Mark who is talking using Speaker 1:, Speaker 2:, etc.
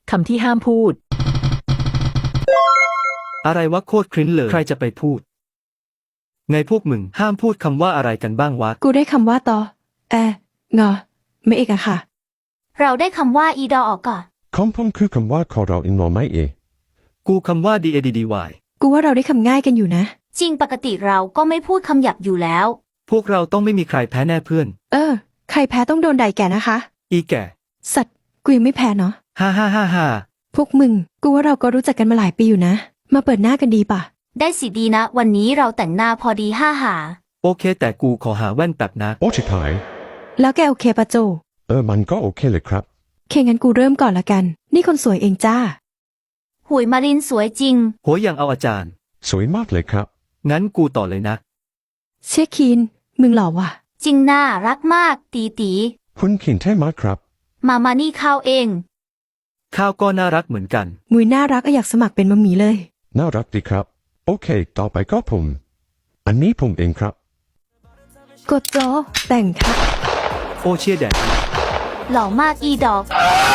Speaker 1: คำที่ห้ามพูด
Speaker 2: อะไรวะโคตรคริ้นเลยใครจะไปพูดไงพวกมึงห้ามพูดคำว่าอะไรกันบ้างวะ
Speaker 3: กูได้คำว่าตงอไม่เอกอะค่ะ
Speaker 4: เราได้คำว่าอีดอออกก่อน
Speaker 5: ของผมคือคำว่าขอเราอินโนไม่
Speaker 2: กูคำว่า DADDY
Speaker 3: กูว่าเราได้คำง่ายกันอยู่นะ
Speaker 4: จริงปกติเราก็ไม่พูดคำหยาบอยู่แล้ว
Speaker 2: พวกเราต้องไม่มีใครแพ้แน่เพื่อน
Speaker 3: ใครแพ้ต้องโดนด่าแก่นะคะ
Speaker 2: อีแก่
Speaker 3: สัตว์กูยังไม่แพ้เนาะ
Speaker 2: ฮ่า
Speaker 3: พวกมึงกูว่าเราก็รู้จักกันมาหลายปีอยู่นะมาเปิดหน้ากันดีป่ะ
Speaker 4: ได้สิดีนะวันนี้เราแต่งหน้าพอดีห้าหา
Speaker 2: โอเคแต่กูขอหาแว่นแป๊บนะ
Speaker 5: โอ้ชิบหาย
Speaker 3: แล้วแกโอเคปะโจ
Speaker 5: มันก็โอเคเลยครับ
Speaker 3: งั้นกูเริ่มก่อนละกันนี่คนสวยเองจ้า
Speaker 4: หุยมารินสวยจริง
Speaker 2: โหยังเอาอาจารย์
Speaker 5: สวยมากเลยครับ
Speaker 2: งั้นกูต่อเลยนะ
Speaker 3: เชี่ยคีนมึงหล่อว่ะ
Speaker 4: จริงน่ารักมากตี
Speaker 5: คุณขินเท่มากครับ
Speaker 4: มานี่ข้าวเอง
Speaker 2: ข้าวก็น่ารักเหมือนกัน
Speaker 3: มุยน่ารักอยากสมัครเป็นมัมมี่เลย
Speaker 5: น่ารักดีครับโอเคต่อไปก็ผมอันนี้ผมเองครับ
Speaker 3: กดจอแต่งครับ
Speaker 2: โอเชียแดด
Speaker 4: หล่อมากอีดอก